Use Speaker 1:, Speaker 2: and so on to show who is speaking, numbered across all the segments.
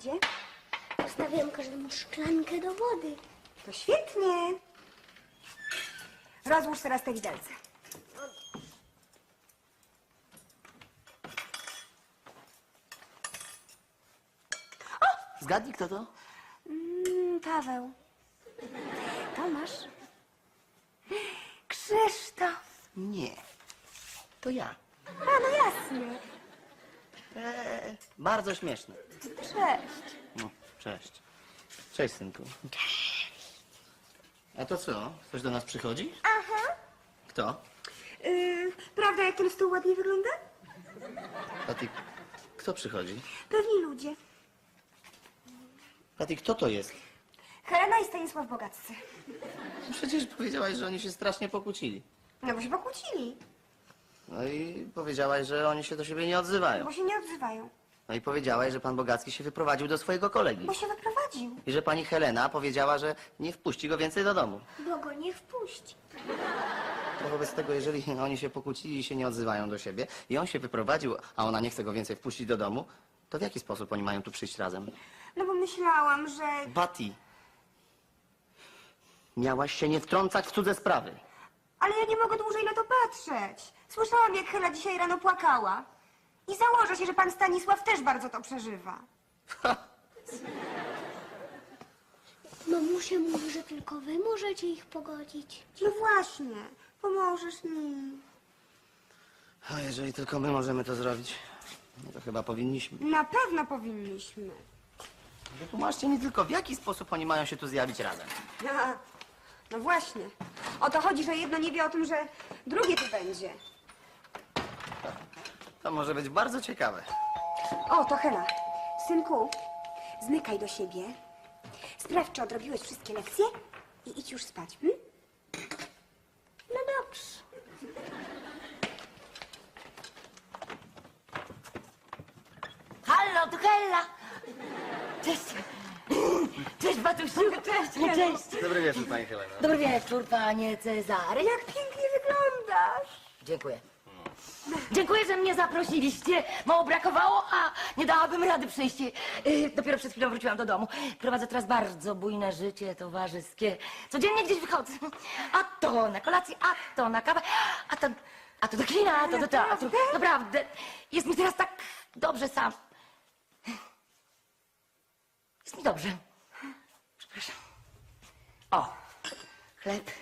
Speaker 1: gdzie?
Speaker 2: Postawiłam każdemu szklankę do wody.
Speaker 1: To świetnie. Rozłóż teraz te widelce.
Speaker 3: Zgadnij, kto to?
Speaker 1: Paweł. Tomasz. Krzysztof.
Speaker 3: Nie. To ja.
Speaker 1: A, no jasne.
Speaker 3: Bardzo śmieszne.
Speaker 1: Cześć.
Speaker 3: No, cześć. Cześć, synku. Cześć. A to co? Ktoś do nas przychodzi?
Speaker 1: Aha.
Speaker 3: Kto?
Speaker 1: Prawda, jak ten stół ładnie wygląda?
Speaker 3: Patty, kto przychodzi?
Speaker 1: Pewni ludzie.
Speaker 3: Patty, kto to jest?
Speaker 1: Helena i Stanisław Bogaccy.
Speaker 3: Przecież powiedziałaś, że oni się strasznie pokłócili.
Speaker 1: No bo się pokłócili.
Speaker 3: No i powiedziałaś, że oni się do siebie nie odzywają.
Speaker 1: Bo się nie odzywają.
Speaker 3: No i powiedziałaś, że pan Bogacki się wyprowadził do swojego kolegi.
Speaker 1: Bo się wyprowadził.
Speaker 3: I że pani Helena powiedziała, że nie wpuści go więcej do domu.
Speaker 2: Bo go nie wpuści.
Speaker 3: To wobec tego, jeżeli oni się pokłócili i się nie odzywają do siebie i on się wyprowadził, a ona nie chce go więcej wpuścić do domu, to w jaki sposób oni mają tu przyjść razem?
Speaker 1: No bo myślałam, że...
Speaker 3: Patty, miałaś się nie wtrącać w cudze sprawy.
Speaker 1: Ale ja nie mogę dłużej na to patrzeć. Słyszałam, jak Hela dzisiaj rano płakała. I założę się, że pan Stanisław też bardzo to przeżywa.
Speaker 2: Mamusia mówi, że tylko wy możecie ich pogodzić.
Speaker 1: No właśnie, pomożesz mi.
Speaker 3: A jeżeli tylko my możemy to zrobić, no to chyba powinniśmy.
Speaker 1: Na pewno powinniśmy.
Speaker 3: Wytłumaczcie mi tylko, w jaki sposób oni mają się tu zjawić razem.
Speaker 1: No właśnie. O to chodzi, że jedno nie wie o tym, że drugie tu będzie.
Speaker 3: To może być bardzo ciekawe.
Speaker 1: O, to Hela. Synku, zmykaj do siebie. Sprawdź, czy odrobiłeś wszystkie lekcje i idź już spać.
Speaker 2: No dobrze.
Speaker 4: Hallo, tu Hella! Cześć! Cześć, Batusiu! Cześć! Cześć!
Speaker 3: Dobry wieczór, pani Helena.
Speaker 4: Dobry wieczór, panie Cezary.
Speaker 1: Jak pięknie wyglądasz.
Speaker 4: Dziękuję. Dziękuję, że mnie zaprosiliście. Mało brakowało, a nie dałabym rady przyjść. Dopiero przed chwilą wróciłam do domu. Prowadzę teraz bardzo bujne życie towarzyskie. Codziennie gdzieś wychodzę. A to na kolację, a to na kawę, a to do kina, a to do teatru. Naprawdę. Jest mi teraz tak dobrze sam. Jest mi dobrze. Przepraszam. O, chleb.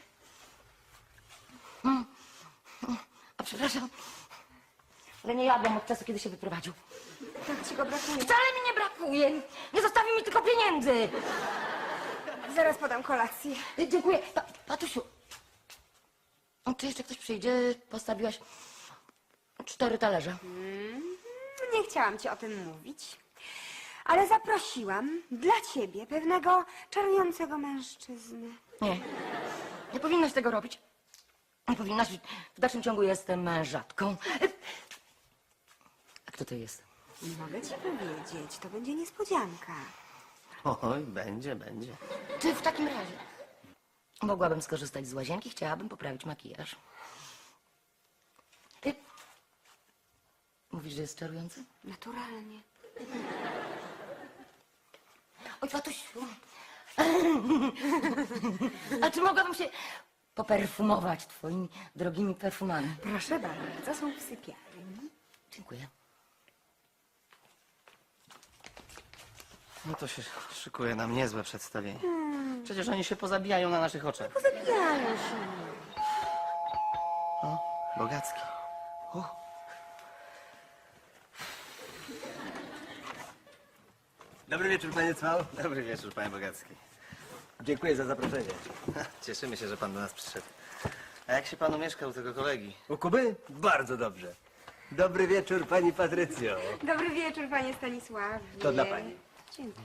Speaker 4: A przepraszam, ale nie jadłam od czasu, kiedy się wyprowadził.
Speaker 1: Tak ci go brakuje.
Speaker 4: Wcale mi nie brakuje. Nie zostawi mi tylko pieniędzy.
Speaker 1: Zaraz podam kolację.
Speaker 4: Dziękuję. Patusiu, czy jeszcze ktoś przyjdzie? Postawiłaś 4 talerze.
Speaker 1: Nie chciałam ci o tym mówić. Ale zaprosiłam dla ciebie pewnego czarującego mężczyznę.
Speaker 4: Nie, nie powinnaś tego robić. Nie powinnaś. W dalszym ciągu jestem mężatką. A kto to jest?
Speaker 1: Nie mogę ci powiedzieć, to będzie niespodzianka.
Speaker 3: Oj, będzie.
Speaker 4: Czy w takim razie mogłabym skorzystać z łazienki? Chciałabym poprawić makijaż. Ty mówisz, że jest czarujący?
Speaker 1: Naturalnie.
Speaker 4: Oj, Patusiu. A czy mogłabym się poperfumować twoimi drogimi perfumami?
Speaker 1: Proszę bardzo, są w sypialni.
Speaker 4: Dziękuję.
Speaker 3: No to się szykuje nam niezłe przedstawienie. Przecież oni się pozabijają na naszych oczach.
Speaker 1: Pozabijają się.
Speaker 3: O, Bogacki.
Speaker 5: Dobry wieczór, panie Cwał.
Speaker 3: Dobry wieczór, panie Bogacki.
Speaker 5: Dziękuję za zaproszenie.
Speaker 3: Cieszymy się, że pan do nas przyszedł. A jak się panu mieszka u tego kolegi?
Speaker 5: U Kuby? Bardzo dobrze. Dobry wieczór, pani Patrycjo.
Speaker 1: Dobry wieczór, panie Stanisławie.
Speaker 5: To dla pani.
Speaker 1: Dziękuję.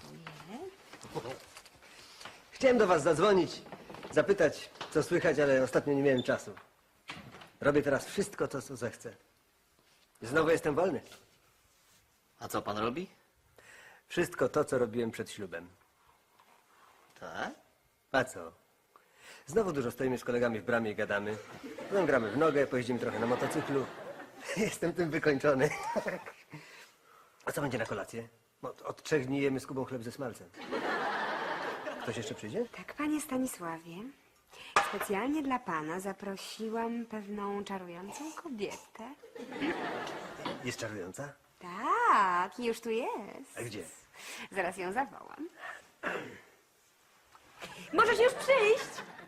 Speaker 5: Chciałem do was zadzwonić, zapytać, co słychać, ale ostatnio nie miałem czasu. Robię teraz wszystko to, co zechcę. Znowu jestem wolny.
Speaker 3: A co pan robi?
Speaker 5: Wszystko to, co robiłem przed ślubem.
Speaker 3: Tak?
Speaker 5: A co? Znowu dużo stoimy z kolegami w bramie i gadamy. Potem gramy w nogę, pojeździmy trochę na motocyklu. Jestem tym wykończony. A co będzie na kolację? Od 3 dni jemy z Kubą chleb ze smalcem. Ktoś jeszcze przyjdzie?
Speaker 1: Tak, panie Stanisławie, specjalnie dla pana zaprosiłam pewną czarującą kobietę.
Speaker 5: Jest czarująca?
Speaker 1: Tak, już tu jest.
Speaker 5: A gdzie?
Speaker 1: Zaraz ją zawołam. Możesz już przyjść.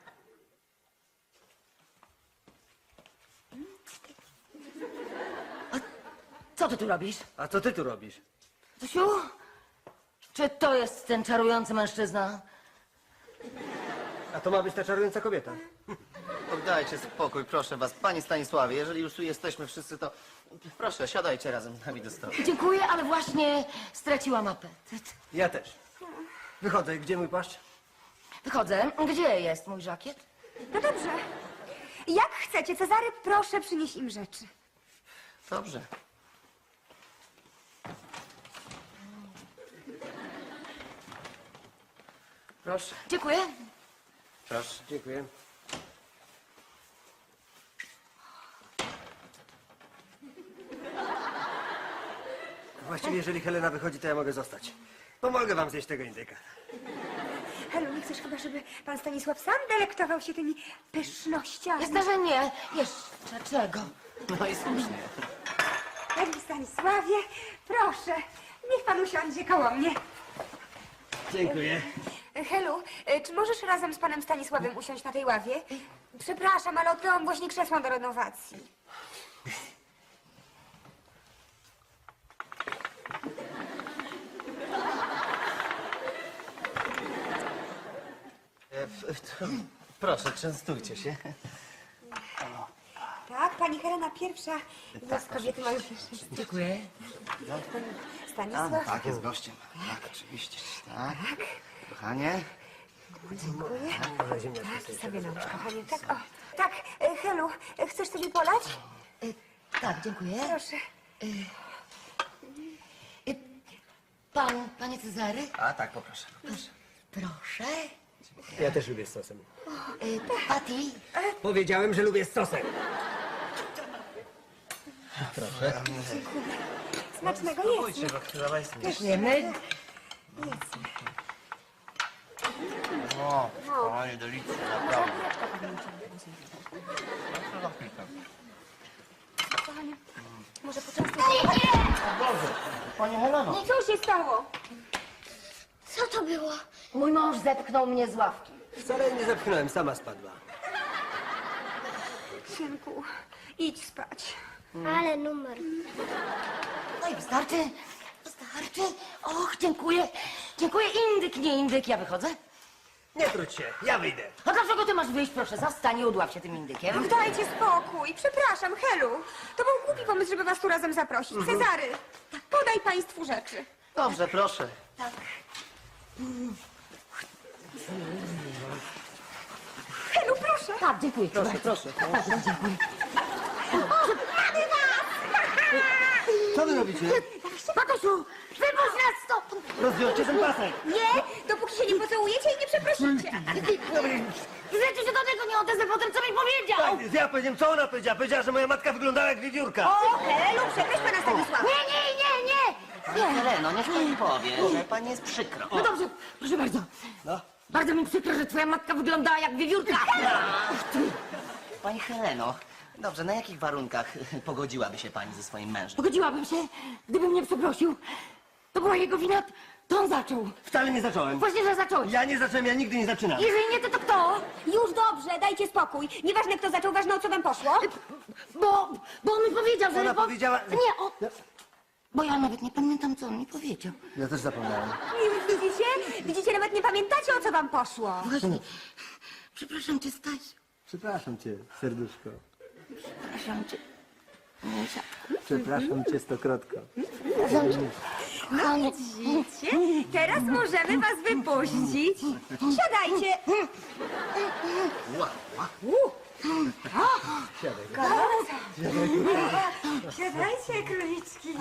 Speaker 4: Co ty tu robisz?
Speaker 5: A co ty tu robisz?
Speaker 4: Zosiu? Czy to jest ten czarujący mężczyzna?
Speaker 5: A to ma być ta czarująca kobieta.
Speaker 3: Oddajcie spokój, proszę was. Panie Stanisławie, jeżeli już tu jesteśmy wszyscy, to proszę, siadajcie razem z nami do stołu.
Speaker 4: Dziękuję, ale właśnie straciłam apetyt.
Speaker 5: Ja też. Wychodzę. Gdzie mój płaszcz?
Speaker 4: Wychodzę. Gdzie jest mój żakiet?
Speaker 1: No dobrze. Jak chcecie, Cezary, proszę przynieść im rzeczy.
Speaker 3: Dobrze. Proszę,
Speaker 4: Dziękuję.
Speaker 3: proszę.
Speaker 5: Dziękuję. Właściwie, jeżeli Helena wychodzi, to ja mogę zostać. Pomogę wam zjeść tego indyka.
Speaker 1: Helu, nie chcesz chyba, żeby pan Stanisław sam delektował się tymi pysznościami?
Speaker 4: Jasne, że nie. Jeszcze czego?
Speaker 3: No i słusznie.
Speaker 1: Panie Stanisławie, proszę, niech pan usiądzie koło mnie.
Speaker 5: Dziękuję.
Speaker 1: Helu, czy możesz razem z panem Stanisławem usiąść na tej ławie? Przepraszam, ale odkryłam właśnie krzesło do renowacji.
Speaker 3: Proszę, częstujcie się.
Speaker 1: Tak, pani Helena pierwsza z kobiety ma już
Speaker 4: Dziękuję.
Speaker 1: Stanisław.
Speaker 3: Tak, jest gościem. Tak, oczywiście. Tak. Kochanie.
Speaker 5: Może ziemniaczki sobie.
Speaker 1: Sobie nałóż, kochanie. Tak, o. Tak, Helu, chcesz sobie polać?
Speaker 4: Tak, dziękuję.
Speaker 1: Proszę.
Speaker 4: Panie Cezary?
Speaker 3: A tak, poproszę.
Speaker 4: Proszę.
Speaker 5: Ja też lubię z sosem.
Speaker 4: Patty?
Speaker 5: Powiedziałem, że lubię z sosem.
Speaker 1: Smacznego jest.
Speaker 3: Pójdźcie, bo chwila jest.
Speaker 4: Wiemy.
Speaker 3: O, kochanie, delicja, naprawdę.
Speaker 1: Kochanie, może poczęstuj.
Speaker 3: Boże, Pani Heleno.
Speaker 1: Co się stało?
Speaker 2: Co to było?
Speaker 4: Mój mąż zepchnął mnie z ławki.
Speaker 5: Wcale nie zepchnąłem, sama spadła.
Speaker 1: Synku, idź spać.
Speaker 2: Ale numer.
Speaker 4: No i wystarczy. Wystarczy. Och, dziękuję. Dziękuję. Indyk, nie indyk. Ja wychodzę.
Speaker 5: Nie trudź się, ja wyjdę.
Speaker 4: A dlaczego ty masz wyjść? Proszę, zastań i udław się tym indykiem.
Speaker 1: Dajcie spokój. Przepraszam, Helu. To był głupi pomysł, żeby was tu razem zaprosić. Cezary, podaj państwu rzeczy.
Speaker 3: Dobrze, proszę.
Speaker 1: Helu, proszę.
Speaker 4: Tak, dziękuję.
Speaker 3: Proszę, proszę.
Speaker 4: Dziękuję.
Speaker 5: Co wy robicie?
Speaker 4: Matusiu, wypuść nas stąd!
Speaker 5: Rozwiążcie ten pasek.
Speaker 1: Nie, dopóki się nie pocałujecie i nie przeprosicie.
Speaker 4: Rzeczy się do tego nie odezwę po tym, co mi powiedział!
Speaker 5: Ja powiedziałem, co ona powiedziała? Powiedziała, że moja matka wyglądała jak wiewiórka.
Speaker 1: O, Helu, przeproś pana Stanisława.
Speaker 4: Nie!
Speaker 3: Pani Heleno, niech pani powie, że pani jest przykro.
Speaker 4: No dobrze, proszę bardzo.
Speaker 5: No.
Speaker 4: Bardzo mi przykro, że twoja matka wyglądała jak wiewiórka.
Speaker 3: Pani Heleno, dobrze, na jakich warunkach pogodziłaby się pani ze swoim mężem?
Speaker 4: Pogodziłabym się, gdyby mnie przeprosił. To była jego wina, to on zaczął.
Speaker 5: Wcale nie zacząłem.
Speaker 4: Właśnie, że zacząłeś.
Speaker 5: Ja nie zacząłem, ja nigdy nie zaczynam.
Speaker 4: Jeżeli nie ty, to kto?
Speaker 1: Już dobrze, dajcie spokój. Nieważne, kto zaczął, ważne, o co wam poszło.
Speaker 4: Bo on mi powiedział, że...
Speaker 5: Ona powiedziała-
Speaker 4: Nie, on... Bo ja nawet nie pamiętam, co on mi powiedział.
Speaker 5: Ja też zapomniałem.
Speaker 1: Widzicie? Widzicie, nawet nie pamiętacie, o co wam poszło.
Speaker 4: Właśnie. Przepraszam cię, Staś.
Speaker 5: Przepraszam cię, serduszko.
Speaker 4: Przepraszam cię. Misia.
Speaker 5: Przepraszam cię stokrotko.
Speaker 4: Kochanie.
Speaker 1: Widzicie? Teraz możemy was wypuścić. Siadajcie. Siadajcie, króliczki.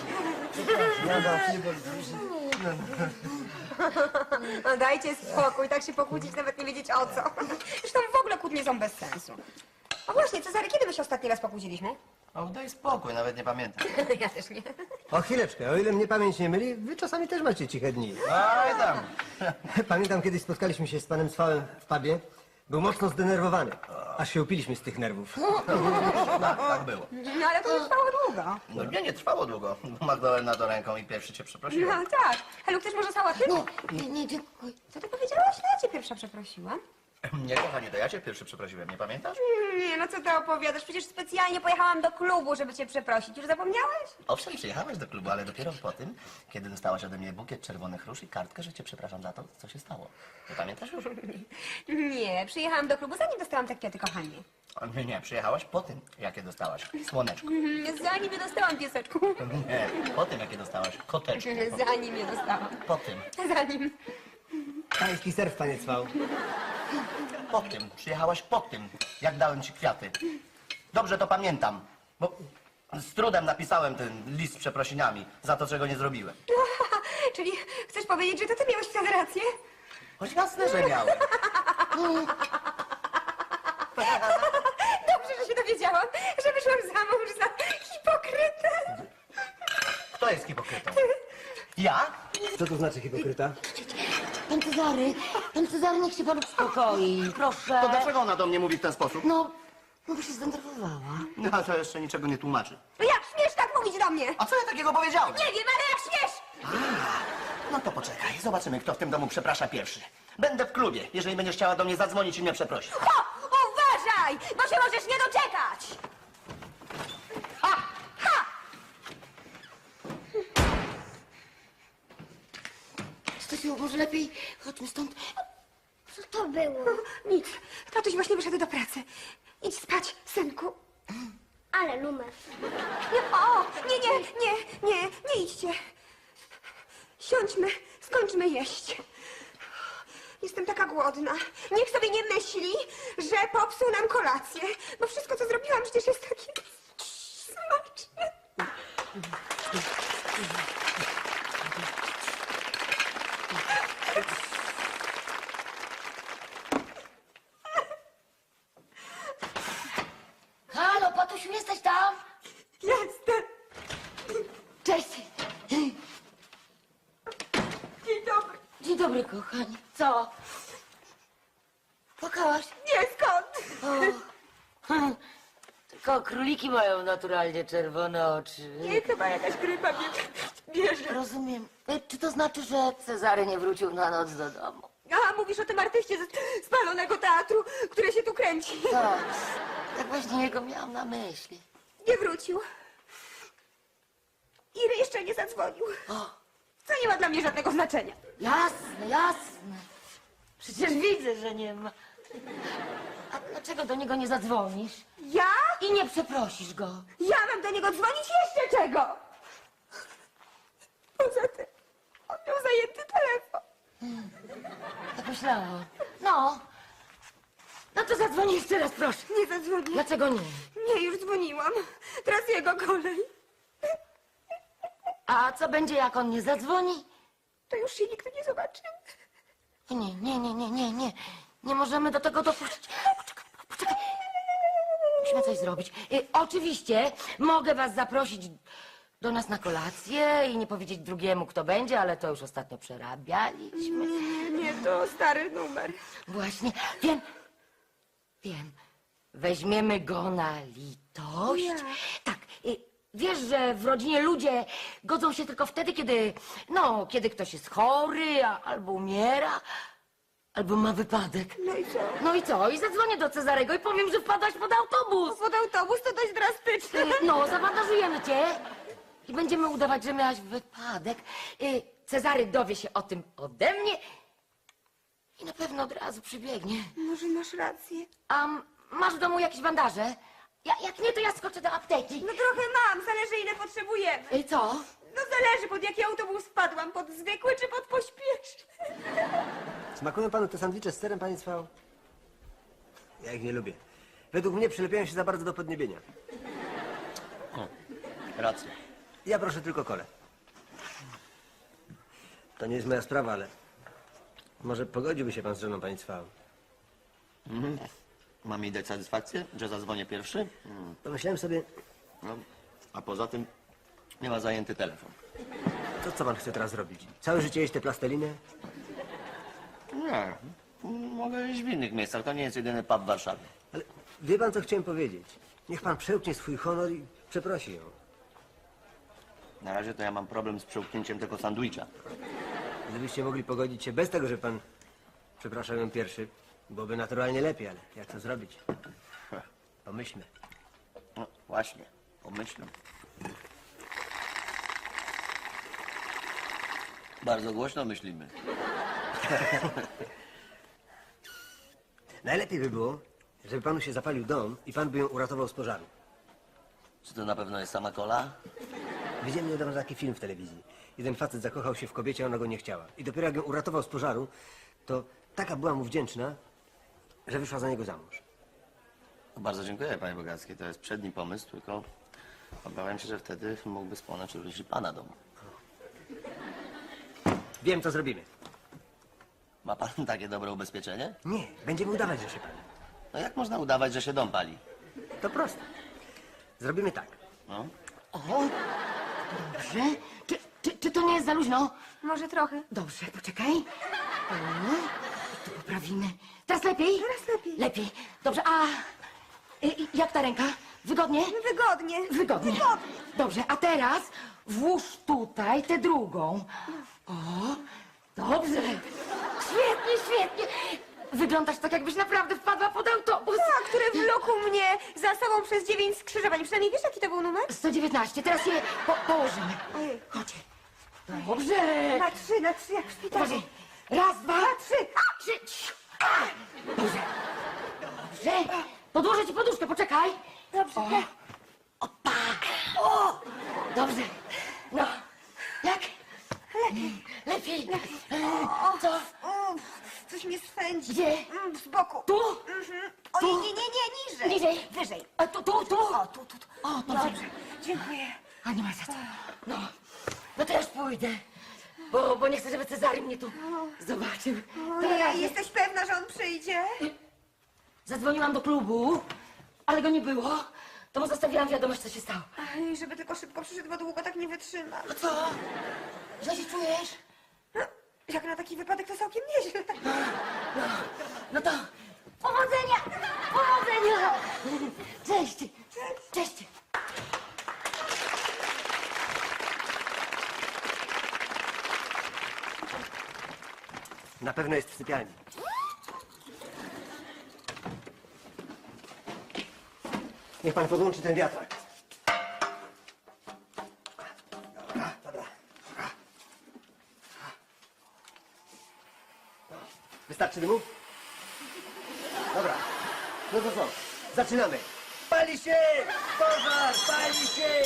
Speaker 1: No dajcie spokój, tak się pokłócić, nawet nie wiedzieć o co. Zresztą w ogóle kłótnie są bez sensu. A właśnie, Cezary, kiedy my się ostatni raz pokłóciliśmy?
Speaker 3: O, daj spokój, nawet nie pamiętam.
Speaker 1: Ja też nie.
Speaker 5: O chwileczkę, o ile mnie pamięć nie myli, wy czasami też macie ciche dni.
Speaker 3: Oj tam.
Speaker 5: Pamiętam, kiedyś spotkaliśmy się z panem Cwałem w pubie. Był mocno zdenerwowany. Aż się upiliśmy z tych nerwów.
Speaker 3: Tak było.
Speaker 1: No ale to nie trwało długo.
Speaker 3: No nie trwało długo. Machnąłem na to ręką i pierwszy cię przeprosiłem.
Speaker 1: No tak. Helu, chcesz może sałaty?
Speaker 4: Nie, dziękuję.
Speaker 1: Co ty powiedziałaś? No ja cię pierwsza przeprosiłam.
Speaker 3: Nie, kochanie, to ja cię pierwszy przeprosiłem, nie pamiętasz?
Speaker 1: Nie, no co ty opowiadasz? Przecież specjalnie pojechałam do klubu, żeby cię przeprosić. Już zapomniałeś?
Speaker 3: Owszem, przyjechałaś do klubu, ale dopiero po tym, kiedy dostałaś ode mnie bukiet czerwonych róż i kartkę, że cię przepraszam za to, co się stało. Nie pamiętasz już?
Speaker 1: Nie, przyjechałam do klubu, zanim dostałam te kwiaty, kochanie.
Speaker 3: Nie, przyjechałaś po tym, jakie dostałaś słoneczko.
Speaker 1: Zanim je dostałam, pieseczku.
Speaker 3: Nie, po tym, jakie dostałaś koteczko.
Speaker 1: Zanim je dostałam.
Speaker 3: Po tym,
Speaker 1: Zanim.
Speaker 5: Pański serw, panie Cwał.
Speaker 3: po tym, przyjechałaś po tym, jak dałem ci kwiaty. Dobrze to pamiętam, bo z trudem napisałem ten list z przeprosiniami za to, czego nie zrobiłem.
Speaker 1: Czyli chcesz powiedzieć, że to ty miałeś wtedy rację?
Speaker 3: Choć jasne, że miałem.
Speaker 1: Dobrze, że się dowiedziałam, że wyszłam za mąż za hipokrytę.
Speaker 3: Kto jest hipokrytą? Ja?
Speaker 5: Co to znaczy hipokryta?
Speaker 4: Pan Cezary, niech się pan uspokoi, proszę.
Speaker 3: To dlaczego ona do mnie mówi w ten sposób?
Speaker 4: No bo się zdenerwowała.
Speaker 3: No, to jeszcze niczego nie tłumaczy.
Speaker 1: No jak śmiesz tak mówić do mnie?
Speaker 3: A co ja takiego powiedziałem?
Speaker 1: Nie wiem, ale jak śmiesz!
Speaker 3: No to poczekaj, zobaczymy, kto w tym domu przeprasza pierwszy. Będę w klubie, jeżeli będziesz chciała do mnie zadzwonić i mnie przeprosić.
Speaker 1: O, uważaj, bo się możesz nie doczekać!
Speaker 4: Stasiu, może lepiej chodźmy stąd.
Speaker 2: Co to było?
Speaker 1: Nic, tatuś właśnie wyszedł do pracy. Idź spać, synku.
Speaker 2: Ale numer.
Speaker 1: Nie idźcie. Siądźmy, skończmy jeść. Jestem taka głodna. Niech sobie nie myśli, że popsuł nam kolację, bo wszystko, co zrobiłam, przecież jest takie smaczne.
Speaker 4: Halo, Patusiu, jesteś tam?
Speaker 1: Jestem.
Speaker 4: Cześć.
Speaker 1: Dzień dobry.
Speaker 4: Dzień dobry, kochanie. Co? Płakałaś?
Speaker 1: Nie, skąd?
Speaker 4: Tylko króliki mają naturalnie czerwone oczy.
Speaker 1: Nie, chyba jakaś grypa mnie bierze.
Speaker 4: Rozumiem. Czy to znaczy, że Cezary nie wrócił na noc do domu?
Speaker 1: A, mówisz o tym artyście ze spalonego teatru, który się tu kręci.
Speaker 4: Tak. Tak właśnie jego miałam na myśli.
Speaker 1: Nie wrócił. I jeszcze nie zadzwonił. Co nie ma dla mnie żadnego znaczenia.
Speaker 4: Jasne, jasne. Przecież widzę, że nie ma. A dlaczego do niego nie zadzwonisz?
Speaker 1: Ja?
Speaker 4: I nie przeprosisz go?
Speaker 1: Ja mam do niego dzwonić jeszcze czego? Poza tym, on miał zajęty telefon.
Speaker 4: Tak myślałam. No. No to zadzwoni jeszcze raz, proszę.
Speaker 1: Nie zadzwonił.
Speaker 4: Dlaczego nie?
Speaker 1: Nie, już dzwoniłam. Teraz jego kolej.
Speaker 4: A co będzie, jak on nie zadzwoni?
Speaker 1: To już się nigdy nie zobaczymy.
Speaker 4: Nie. Nie możemy do tego dopuścić. Poczekaj. Musimy coś zrobić. Oczywiście mogę was zaprosić do nas na kolację i nie powiedzieć drugiemu, kto będzie, ale to już ostatnio przerabialiśmy.
Speaker 1: Nie, to stary numer.
Speaker 4: Właśnie. Wiem. Weźmiemy go na litość.
Speaker 1: Ja.
Speaker 4: Tak. Wiesz, że w rodzinie ludzie godzą się tylko wtedy, kiedy ktoś jest chory, albo umiera, albo ma wypadek.
Speaker 1: No i co?
Speaker 4: No i co? I zadzwonię do Cezarego i powiem, że wpadłaś pod autobus.
Speaker 1: Pod autobus to dość drastyczne.
Speaker 4: No, zabandażujemy cię i będziemy udawać, że miałaś wypadek. Cezary dowie się o tym ode mnie i na pewno od razu przybiegnie.
Speaker 1: Może masz rację.
Speaker 4: A masz w domu jakieś bandaże? Jak nie, to ja skoczę do apteki.
Speaker 1: No trochę mam, zależy ile potrzebujemy.
Speaker 4: Co?
Speaker 1: No zależy, pod jaki autobus wpadłam, pod zwykły czy pod pośpieszny.
Speaker 5: Smakują panu te sandwicze z serem, panie Cwał? Ja ich nie lubię. Według mnie przylepiają się za bardzo do podniebienia.
Speaker 3: Racja.
Speaker 5: Ja proszę tylko kolę. To nie jest moja sprawa, ale może pogodziłby się pan z żoną, panie Cwał?
Speaker 3: Mam jej dać satysfakcję, że zadzwonię pierwszy?
Speaker 5: Pomyślałem sobie,
Speaker 3: No, a poza tym Nie ma zajęty telefon.
Speaker 5: To co pan chce teraz zrobić? Całe życie jeść te plasteliny?
Speaker 3: Nie, mogę iść w innych miejscach. To nie jest jedyny pub w Warszawie.
Speaker 5: Ale wie pan, co chciałem powiedzieć? Niech pan przełknie swój honor i przeprosi ją.
Speaker 3: Na razie to ja mam problem z przełknięciem tego sandwicha.
Speaker 5: Gdybyście mogli pogodzić się bez tego, że pan przepraszał ją pierwszy, byłoby naturalnie lepiej, ale jak to zrobić? Pomyślmy.
Speaker 3: No właśnie, pomyślę. Bardzo głośno myślimy.
Speaker 5: Najlepiej by było, żeby panu się zapalił dom i pan by ją uratował z pożaru.
Speaker 3: Czy to na pewno jest sama kola?
Speaker 5: Widziałem niedawno taki film w telewizji. Jeden facet zakochał się w kobiecie, a ona go nie chciała. I dopiero jak ją uratował z pożaru, to taka była mu wdzięczna, że wyszła za niego za mąż.
Speaker 3: Bardzo dziękuję, panie Bogacki. To jest przedni pomysł, tylko obawiam się, że wtedy mógłby spłonąć również i pana dom.
Speaker 5: Wiem, co zrobimy.
Speaker 3: Ma pan takie dobre ubezpieczenie?
Speaker 5: Nie, będziemy udawać, że się pali.
Speaker 3: No jak można udawać, że się dom pali?
Speaker 5: To proste. Zrobimy tak.
Speaker 3: No.
Speaker 4: O, dobrze. Czy to nie jest za luźno?
Speaker 1: Może trochę.
Speaker 4: Dobrze, poczekaj. O, tu poprawimy. Teraz lepiej?
Speaker 1: Teraz lepiej.
Speaker 4: Lepiej. Dobrze, a jak ta ręka? Wygodnie?
Speaker 1: Wygodnie.
Speaker 4: Wygodnie. Dobrze, a teraz włóż tutaj tę drugą. O, dobrze. Świetnie, świetnie. Wyglądasz tak, jakbyś naprawdę wpadła pod autobus.
Speaker 1: Tak, który wlókł mnie za sobą przez 9 skrzyżowań. Przynajmniej wiesz, jaki to był numer?
Speaker 4: 119. Teraz je położymy.
Speaker 1: Ojej.
Speaker 4: Chodź. Dobrze.
Speaker 1: Na trzy, jak w szpitalu.
Speaker 4: Uważaj. Raz, dwa,
Speaker 1: trzy.
Speaker 4: trzy. Dobrze. Dobrze. Podłożę ci poduszkę, poczekaj.
Speaker 1: Dobrze.
Speaker 4: O. Opa. O. Dobrze. No. Jak? Lepiej. Co?
Speaker 1: Coś mnie swędzi.
Speaker 4: Gdzie?
Speaker 1: Z boku.
Speaker 4: Tu?
Speaker 1: Ojej, nie, niżej.
Speaker 4: Niżej.
Speaker 1: Wyżej.
Speaker 4: A tu.
Speaker 1: O, tu.
Speaker 4: O, to
Speaker 1: Dobrze. Dziękuję.
Speaker 4: A nie ma za co. No. No to już pójdę. Bo nie chcę, żeby Cezary mnie tu zobaczył.
Speaker 1: Ojej, jesteś pewna, że on przyjdzie?
Speaker 4: Zadzwoniłam do klubu, ale go nie było. To mu zostawiłam wiadomość, co się stało.
Speaker 1: Ej, żeby tylko szybko przyszedł, bo długo tak nie wytrzyma.
Speaker 4: No co? Źle się czujesz?
Speaker 1: No, jak na taki wypadek to całkiem nieźle.
Speaker 4: No to powodzenia! Powodzenia! Cześć! Cześć!
Speaker 5: Na pewno jest w sypialni. Niech pan podłączy ten wiatrak. Dobra. Wystarczy dymu? Dobra. No to co? Zaczynamy. Pali się! Pożar! Pali się!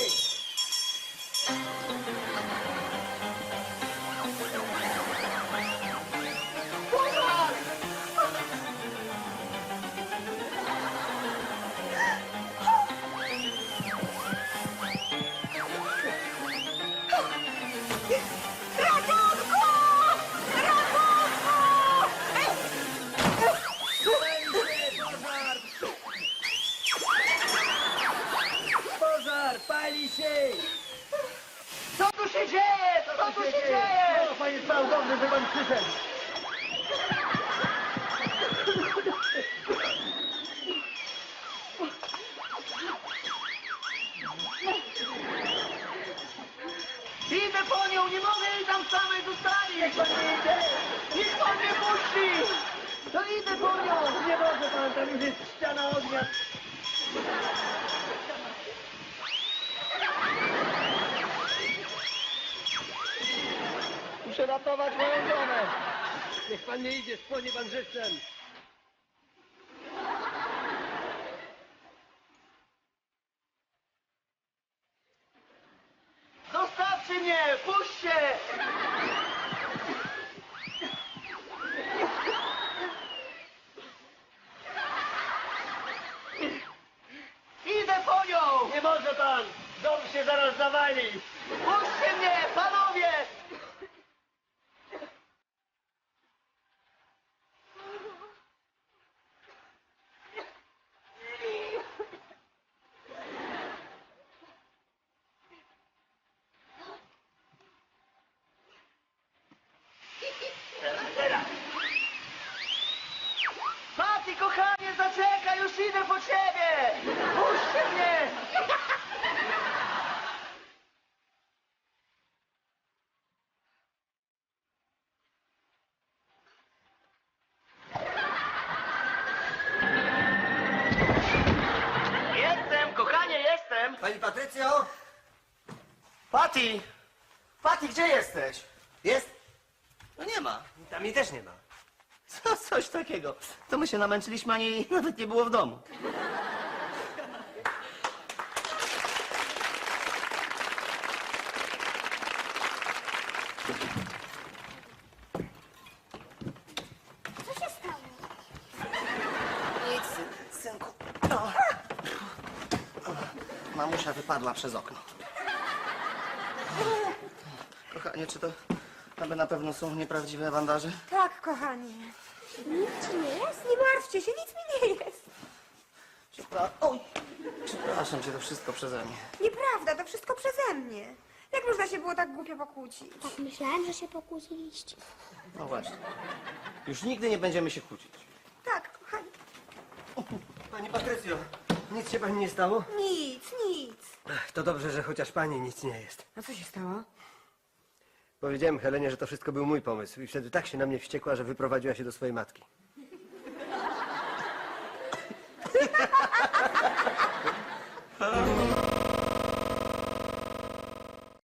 Speaker 5: Pożar! Pali się!
Speaker 3: Co tu się dzieje? Co tu się dzieje?
Speaker 5: O, panie Stał, dobrze, że pan przyszedł.
Speaker 3: Idę po nią, nie mogę jej tam samej zostawić. Niech pan nie idzie. Niech pan mnie puści. To idę po nią.
Speaker 5: Nie może pan, tam już jest ściana ognia.
Speaker 3: Muszę ratować moją żonę.
Speaker 5: Niech pan nie idzie, spłonie pan żywcem.
Speaker 3: Zostawcie mnie, puśćcie. Idę po nią.
Speaker 5: Nie może pan! Dom się zaraz zawali!
Speaker 3: Puśćcie mnie, panowie.
Speaker 5: Pani Patrycjo!
Speaker 3: Pati! Pati, gdzie jesteś? Jest? No nie ma.
Speaker 5: Tam jej też nie ma.
Speaker 3: Coś takiego. To my się namęczyliśmy, a jej nawet nie było w domu.
Speaker 2: Co się stało?
Speaker 3: Nic, synku. Mamusia wypadła przez okno. Kochanie, czy to aby na pewno są nieprawdziwe bandaże?
Speaker 1: Tak, kochanie.
Speaker 2: Nic ci nie jest?
Speaker 1: Nie martwcie się, nic mi nie jest.
Speaker 3: Oj! Przepraszam cię, to wszystko przeze mnie.
Speaker 1: Nieprawda, to wszystko przeze mnie. Jak można się było tak głupio pokłócić?
Speaker 2: Tak myślałem, że się pokłóciliście.
Speaker 3: No właśnie. Już nigdy nie będziemy się kłócić.
Speaker 1: Tak, kochanie.
Speaker 5: Pani Patrycjo, nic się pani nie stało?
Speaker 1: Nic, nic.
Speaker 5: To dobrze, że chociaż pani nic nie jest.
Speaker 1: A co się stało?
Speaker 5: Powiedziałem Helenie, że to wszystko był mój pomysł i wtedy tak się na mnie wściekła, że wyprowadziła się do swojej matki.